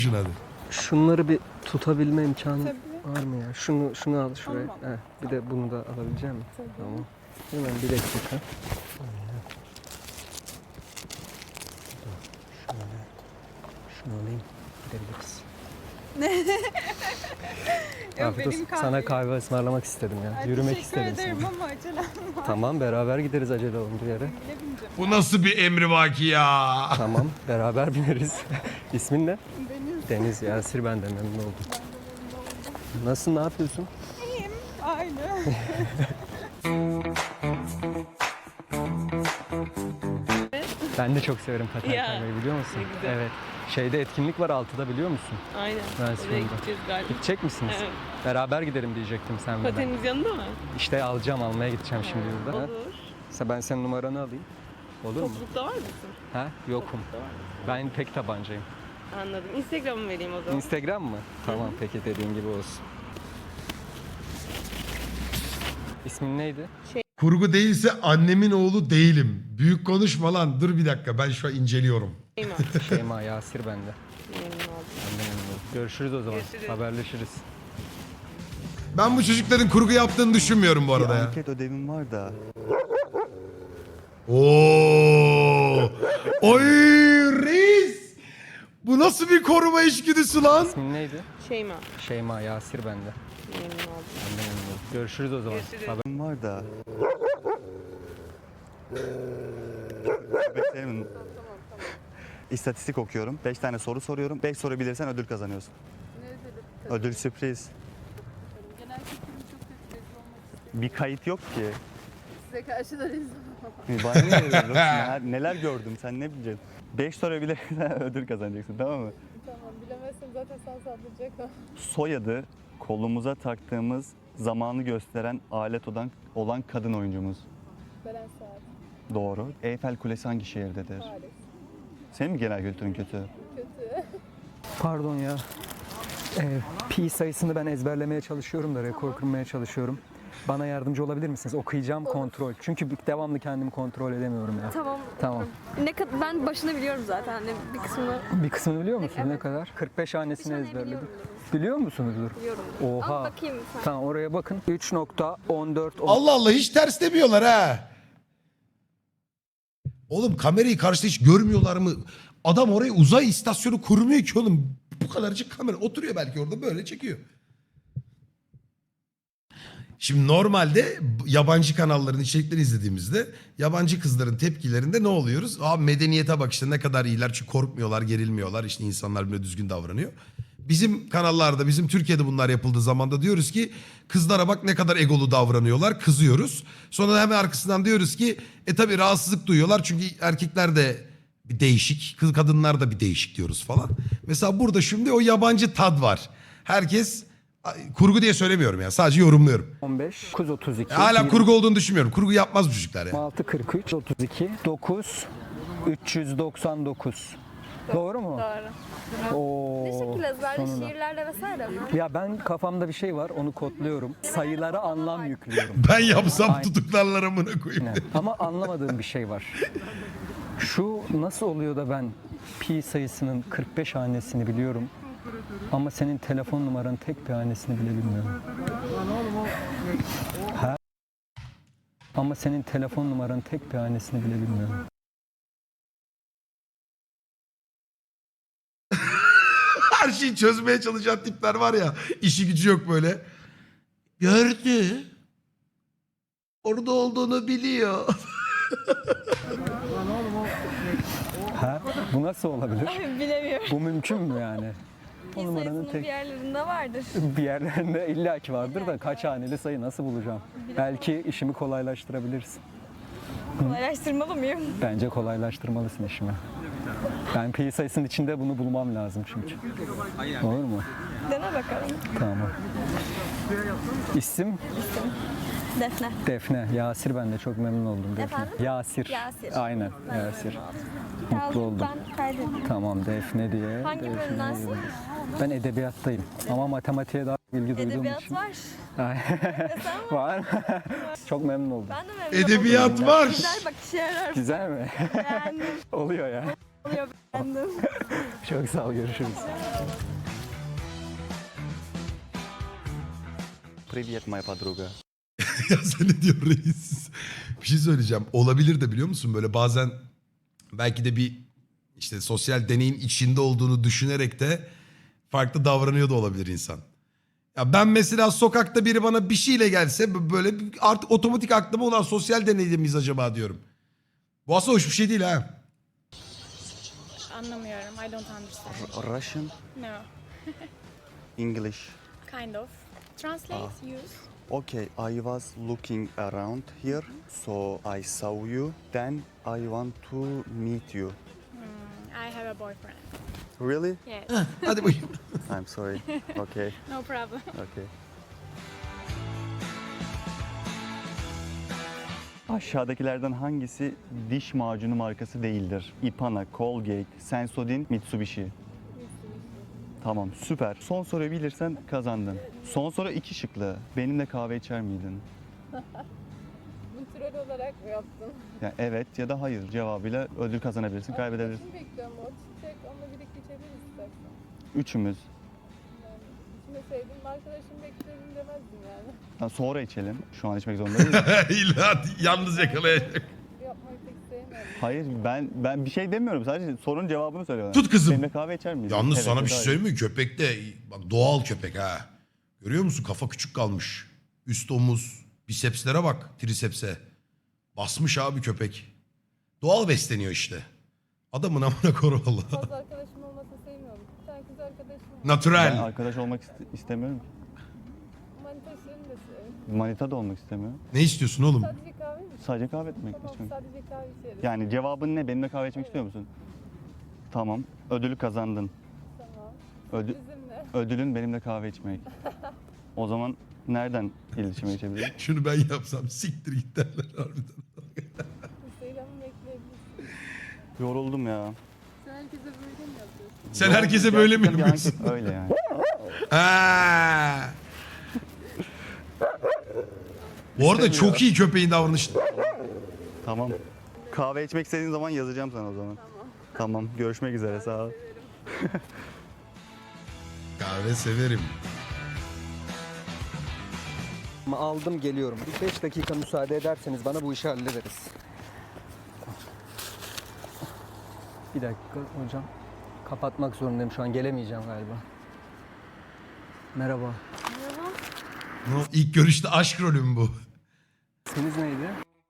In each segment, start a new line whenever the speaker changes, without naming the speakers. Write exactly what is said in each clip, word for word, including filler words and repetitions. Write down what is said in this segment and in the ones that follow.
hadi.
Şunları bir tutabilme imkanı
Tabii.
var mı ya? Şunu şunu al şuraya.
Tamam.
Heh, bir de bunu da alabilecek misin?
Tabii.
Tamam. Hemen bir dakika. Şöyle. Şunu alayım. Gidebiliriz.
Yok,
Afiyet olsun.
benim kahve.
Sana kahve ısmarlamak istedim ya.
Ay,
Yürümek
teşekkür
istedim
ederim
sana.
ama acelem var.
Tamam beraber gideriz acele olunca yere.
Bile bineceğim.
Bu nasıl bir emrivaki ya?
Tamam beraber bineriz. İsmin ne?
Deniz.
Deniz Yasir, ben de memnun oldum.
Ben de memnun oldum.
Nasılsın, ne yapıyorsun?
İyiyim. Aynı.
Ben de çok severim paten
Ya,
kaymayı, biliyor musun?
ne güzel.
Evet. Şeyde etkinlik var altıda, biliyor musun?
Aynen.
Ben
Oraya
sonunda.
gideceğiz galiba.
Gidecek misiniz?
Evet.
Beraber gidelim diyecektim sen ve ben.
Pateniniz yanında mı?
İşte alacağım, almaya gideceğim şimdi burada. Ha?
Olur.
Mesela ben senin numaranı alayım. Olur mu?
Toplulukta var mısın?
Ha? Yokum.
Toplulukta var mısın?
Ben pek tabancayım.
Anladım. Instagram'ı vereyim o zaman.
Instagram mı? Tamam peki, dediğin gibi olsun. İsmin neydi?
Kurgu değilse annemin oğlu değilim. Büyük konuşma lan. Dur bir dakika, ben şu an inceliyorum.
Şeyma.
Şeyma Yasir bende.
Memnun oldum.
Ben de memnun oldum. Görüşürüz o zaman.
Görüşürüz.
Haberleşiriz.
Ben bu çocukların kurgu yaptığını düşünmüyorum bu
Bir
arada ya.
anket ödevim var da.
Oo! Oy reis! Bu nasıl bir koruma içgüdüsü lan?
İsmin neydi?
Şeyma.
Şeyma Yasir bende.
Memnun oldum.
Ben de memnun oldum. Görüşürüz o zaman.
Görüşürüz.
Haber-
Ödevim var da. Beklerim. İstatistik okuyorum. beş tane soru soruyorum. beş soru bilirsen ödül kazanıyorsun. Ödül sürpriz.
Genel kültürüm çok kötü. Rezil olmak istedim.
Bir kayıt yok ki.
Size karşı da rezil olmak.
Bana ne ödül yok? neler, neler gördüm sen ne bileceksin? beş soru bilirsen ödül kazanacaksın, tamam mı?
Tamam, bilemezsem zaten sana saldıracak o.
Soyadı kolumuza taktığımız zamanı gösteren alet olan, olan kadın oyuncumuz.
Beren Saat.
Doğru. Eyfel Kulesi hangi şehirdedir?
Paris.
Senin mi genel kültürün kötü?
Kötü.
Pardon ya. Ee, pi sayısını ben ezberlemeye çalışıyorum da rekor kırmaya çalışıyorum. Bana yardımcı olabilir misiniz? Okuyacağım, kontrol. Çünkü devamlı kendimi kontrol edemiyorum ya.
Tamam.
Tamam.
Ne kadar ben başını biliyorum zaten. Hani bir kısmını
Bir kısmını biliyor musun?
Evet.
Ne kadar? kırk beş hanesini
tane
ezberledim.
biliyorum.
Biliyor musunuzdur?
biliyorum.
Oha.
Ama bakayım sen.
Tamam, oraya bakın. üç nokta on dört
Allah Allah, hiç ters demiyorlar ha. Oğlum kamerayı karşıda hiç görmüyorlar mı? Adam oraya uzay istasyonu kurmuyor ki oğlum. Bu kadarcık kamera oturuyor belki orada, böyle çekiyor. Şimdi normalde yabancı kanalların içeriklerini izlediğimizde yabancı kızların tepkilerinde ne oluyoruz? Aa, medeniyete bak işte, ne kadar iyiler, çünkü korkmuyorlar, gerilmiyorlar, işte insanlar bile düzgün davranıyor. Bizim kanallarda, bizim Türkiye'de bunlar yapıldığı zaman da diyoruz ki kızlara bak ne kadar egolu davranıyorlar, kızıyoruz. Sonra da hemen arkasından diyoruz ki e tabi rahatsızlık duyuyorlar çünkü erkekler de bir değişik, kız kadınlar da bir değişik diyoruz falan. Mesela burada şimdi o yabancı tad var. Herkes, kurgu diye söylemiyorum ya, sadece yorumluyorum.
on beş, dokuz otuz iki,
Hala kurgu olduğunu düşünmüyorum. Kurgu yapmaz bu çocuklar ya.
yirmi altı kırk üç, otuz iki, dokuz, üç yüz doksan dokuz. Doğru mu?
Doğru.
Oo,
Ne şekilde ezberli
sonunda.
şiirlerle vesaire mi?
Ya ben kafamda bir şey var, onu kodluyorum. Sayılara anlam yüklüyorum.
Ben yapsam
Aynen.
tutuklarlar amına koyayım.
Aynen. Ama anlamadığım bir şey var. Şu nasıl oluyor da ben pi sayısının kırk beş hanesini biliyorum ama senin telefon numaranın tek bir hanesini bile bilmiyorum. Ha? Ama senin telefon numaranın tek bir hanesini bile bilmiyorum.
Her şeyi çözmeye çalışan tipler var ya. İşi gücü yok böyle. Gördü. Orada olduğunu biliyor.
Ha? Bu nasıl olabilir?
Bilemiyorum.
Bu mümkün mü yani? O
Pi
numaranın
sayısının
tek
bir yerlerinde vardır.
bir yerlerinde illaki vardır da kaç haneli sayı nasıl bulacağım? Belki işimi kolaylaştırabilirsin.
Kolaylaştırmalı mıyım?
Bence kolaylaştırmalısın işimi. Ben pi sayısının içinde bunu bulmam lazım çünkü. Olur mu?
Dene bakalım.
Tamam. İsim
Defne.
Defne. Yasir, ben de çok memnun oldum Defne.
Efendim?
Yasir.
Yasir.
Aynen
Ben de
Yasir.
memnun oldum.
Mutlu
Yazdım,
oldum.
Ben kaydedeyim.
Tamam, Defne diye.
Hangi
Defne
bölümdensin?
diye. Ben edebiyattayım ama matematiğe daha ilgi duyduğum
Edebiyat
için.
var.
Ay,
Sen var.
var. Çok memnun oldum.
Ben de memnun
Edebiyat
oldum.
var.
Güzel bak işe yarar.
Güzel mi?
Yani.
Oluyor ya.
Beğendim.
Çok sağ ol, görüşürüz.
Привет, моя подруга.
Ya sen ne diyorsun reis? Bir şey söyleyeceğim. Olabilir de biliyor musun? Böyle bazen belki de bir işte sosyal deneyin içinde olduğunu düşünerek de farklı davranıyor da olabilir insan. Ya ben mesela sokakta biri bana bir şeyle gelse böyle artık otomatik aklıma olan sosyal deneyde miyiz acaba diyorum. Bu aslında hoş bir şey değil ha.
Anlamıyorum. I don't understand.
Russian,
No.
English.
Kind of. Translate, use.
Okay, I was looking around here, so I saw you. Then I want to meet you.
Hmm, I have a boyfriend.
Really?
Yes.
Hadi bakayım.
I'm sorry. Okay,
No problem.
okay. Aşağıdakilerden hangisi diş macunu markası değildir? Ipana, Colgate, Sensodyne, Mitsubishi. Tamam, süper. Son soruyu bilirsen kazandın. Son soru iki şıklı. Benimle kahve içer miydin?
Bu troll olarak mı yaptın?
Yani evet ya da hayır cevabıyla ödül kazanabilirsin, kaybedebilirsin.
Arkadaşım bekliyorum o çiçek. Onunla birlikte içebiliriz istersen.
Üçümüz.
Yani içime sevdiğim arkadaşım bekliyorum demezdim yani.
Ha, sonra içelim. Şu an içmek zorunda değiliz.
İlla yalnız yakalayacak.
Yapmayı pek sevmiyorum.
Hayır ben ben bir şey demiyorum. Sadece sorunun cevabını söylüyorum.
Tut kızım.
Benimle kahve içer miydin?
Yalnız
Evet
sana
ya
bir
da
şey
hayır.
söyleyeyim mi? Köpek de bak doğal köpek ha. Görüyor musun? Kafa küçük kalmış. Üst omuz, bisepslere bak, trisepse. Basmış abi köpek. Doğal besleniyor işte. Adamın amına koru valla.
Fazla arkadaşım olmasını sevmiyorum. Bir tane kız arkadaşım var.
Ben
Natural.
arkadaş olmak iste- istemiyorum ki.
Manitaşlarını da seviyorum.
Manita da olmak istemiyorum.
Ne istiyorsun oğlum?
Sadece kahve mi?
Sadece kahve etmek
Tamam
istiyorum.
sadece kahve içeriz.
Yani cevabın ne? Benimle kahve içmek istiyor musun? Tamam. Ödülü kazandın.
Tamam.
Ödül,
Bizimle.
ödülün benimle kahve içmek. O zaman nereden iletişime geçebilirim?
Şunu ben yapsam siktir git derler harbiden.
Instagram'ı bekleyebilirsin.
Yoruldum ya.
Sen herkese böyle mi yapıyorsun?
Sen herkese böyle mi
Gerçekten bir
yapıyorsun?
anket öyle yani.
Ha. Bu arada çok iyi köpeğin davranışı.
Tamam. Kahve içmek istediğin zaman yazacağım sana o zaman. Tamam. Tamam. Görüşmek üzere. Sağ ol.
Kahve severim.
Ama aldım, geliyorum. Bir beş dakika müsaade ederseniz bana bu işi hallederiz. Bir dakika hocam. Kapatmak zorundayım şu an, gelemeyeceğim galiba. Merhaba.
No, ilk görüşte aşk rolü mü bu?
İsminiz neydi?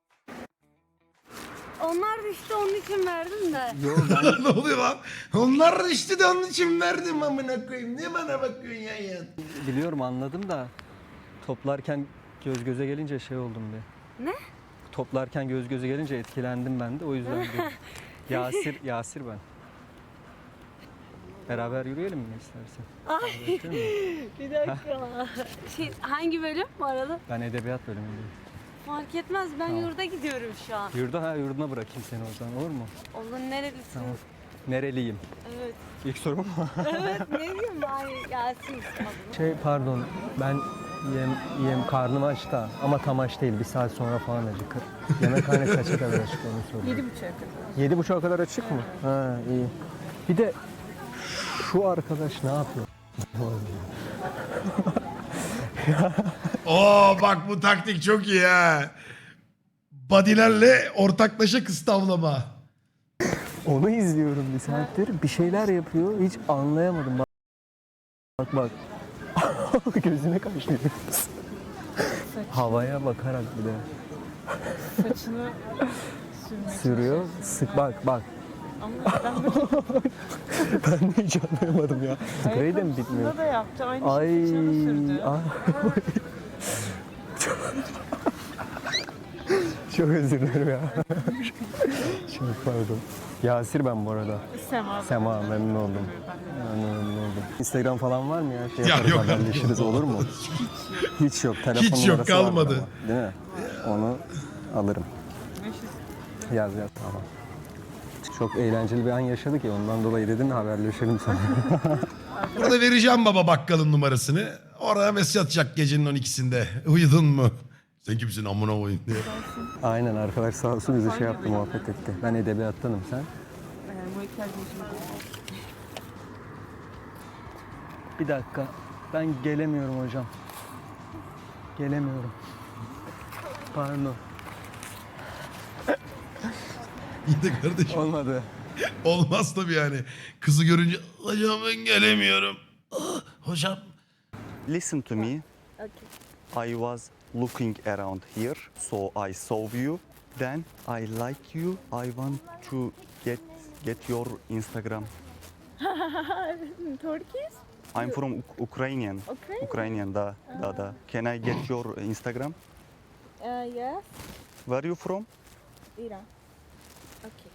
Onlar da işte onun için verdim de.
Yo ben
Ne oluyor lan? Onlar da işte de onun için verdim amına koyayım. Niye bana bakıyorsun ya ya?
biliyorum, anladım da toplarken göz göze gelince şey oldum bir.
Ne?
Toplarken göz göze gelince etkilendim ben de, o yüzden bir. Yasir, Yasir ben. Beraber yürüyelim mi istersen?
Ay bir dakika. Şey, hangi bölüm bu arada?
Ben edebiyat bölümündeyim.
Fark etmez ben
Tamam.
yurda gidiyorum şu an.
Yurda, ha yurduna bırakayım seni o zaman, olur mu?
Onun nerelisin?
Tamam. Nereliyim?
Evet.
İlk sorum mu?
Evet ne diyeyim ben Yasin adını.
Şey pardon, ben yem, yem karnım aç da ama tam aç değil, bir saat sonra falan acıkır. Yemekhane kaça kadar açık onu sorayım.
Yedi buçuğa kadar.
Yedi buçuğa kadar açık mı? Ha iyi. Bir de şu arkadaş ne yapıyor?
Oo bak bu taktik çok iyi ha. Badilerle ortaklaşa kız tavlama.
Onu izliyorum bir saattir. Bir şeyler yapıyor. Hiç anlayamadım. Bak bak. bak. Gözüne kaçıyor. Havaya bakarak bir de.
Saçını sürmek.
Sürüyor. Sık bak bak.
Ama ben de
Ben de hiç anlayamadım ya. Spreyi de mi bitmiyor?
ayakkabısında da yaptı. Aynı
Ay,
şey saçına sürdü.
ay. Çok özür dilerim ya. Çok pardon. Yasir ben bu arada.
Sema.
Sema, memnun oldum. Memnun oldum. Instagram falan var mı ya? Şey
Ya
yaparız,
yok.
haberleşiriz, olur mu? Hiç yok. Telefon
Hiç yok,
numarası vardır
kalmadı.
ama, değil mi? Onu alırım. Yaz yaz, tamam. Çok eğlenceli bir an yaşadık ya, ondan dolayı dedin haberleşelim sana.
Burada vereceğim baba bakkalın numarasını. Oraya mesaj atacak gecenin on ikisinde. Uyudun mu? Sen kimsin amına koyayım diye.
Aynen, arkadaş sağ olsun bizi şey yaptı, muhabbet etti. Ben edebiyattanım, sen?
Ee,
Bir dakika. Ben gelemiyorum hocam. Gelemiyorum. Pardon.
İyi de kardeşim.
Olmadı.
Olmaz tabii yani. Kızı görünce hocam ben gelemiyorum. Ah, hocam.
Listen to me. I was looking around here, so I saw you. Then I like you. I want to get get your Instagram.
Turkish?
I'm from Uk- Ukrainian.
Ukraine?
Ukrainian, da, da, da. Can I get your Instagram?
Uh, yes.
Where are you from?
Iran. Okay.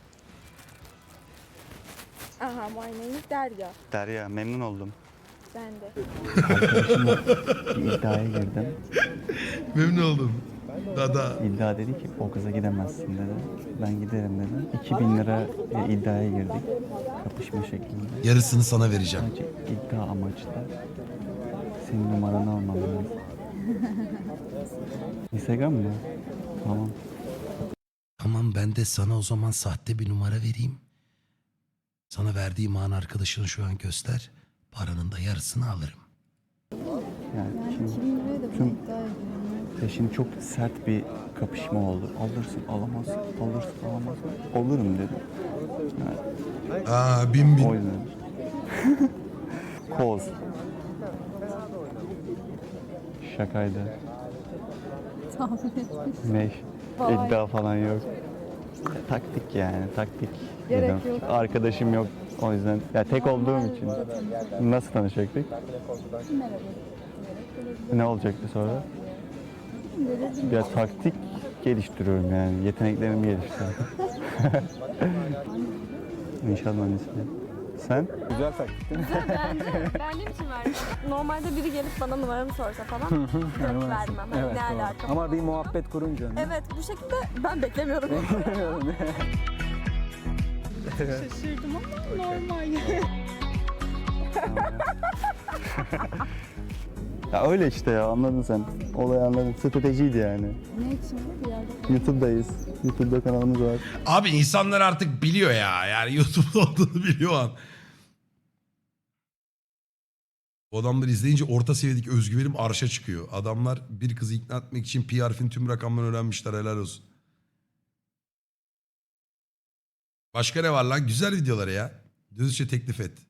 Aha, my name is Derya.
Derya, memnun oldum.
Ben de.
Bir iddiaya girdim.
Memnun oldum. Dada.
İddia dedi ki o kıza gidemezsin dedi. Ben giderim dedim. iki bin lira iddiaya girdik. Kapışma şeklinde.
Yarısını sana vereceğim.
Sadece iddia amaçlı. Senin numaranı almam lazım. Instagram mı? Tamam.
Tamam ben de sana o zaman sahte bir numara vereyim. Sana verdiğim an arkadaşını şu an göster. Paranın da yarısını alırım.
Yani şimdi tüm peşin çok sert bir kapışma oldu. Alırsın alamazsın, alırsın alamazsın. Alırım dedim. Yani
Aa bin bin.
o yüzden. Koz. Şakaydı. Ne? İddia falan yok. Taktik yani, taktik.
Gerek
dedim.
yok.
Arkadaşım yok. O yüzden ya tek olduğum için. Nasıl tanışacaktık? Ne olacaktı sonra? Ya taktik geliştiriyorum yani. Yeteneklerimi geliştiriyorum. İnşaat mühendisliği. Sen?
Güzel taktik değil mi?
Beğendiğim için verdim. Normalde biri gelip bana numaramı sorsa falan direkt vermem. Hani
Evet,
ne
doğru.
alaka
Ama bir
falan.
muhabbet kurunca.
Evet bu şekilde ben beklemiyordum.
Şaşırdım ama normal.
Ya öyle işte ya anladın sen. Olayı anladın. Stratejiydi yani.
Ne için bir yerde?
YouTube'dayız. YouTube'da kanalımız var.
Abi insanlar artık biliyor ya. Yani YouTube'da olduğunu biliyor o an. Bu adamları izleyince orta seviyedeki özgüvenim arşa çıkıyor. Adamlar bir kızı ikna etmek için P harfin tüm rakamlarını öğrenmişler, helal olsun. Başka ne var lan? Güzel videoları ya. Dürüstçe teklif et.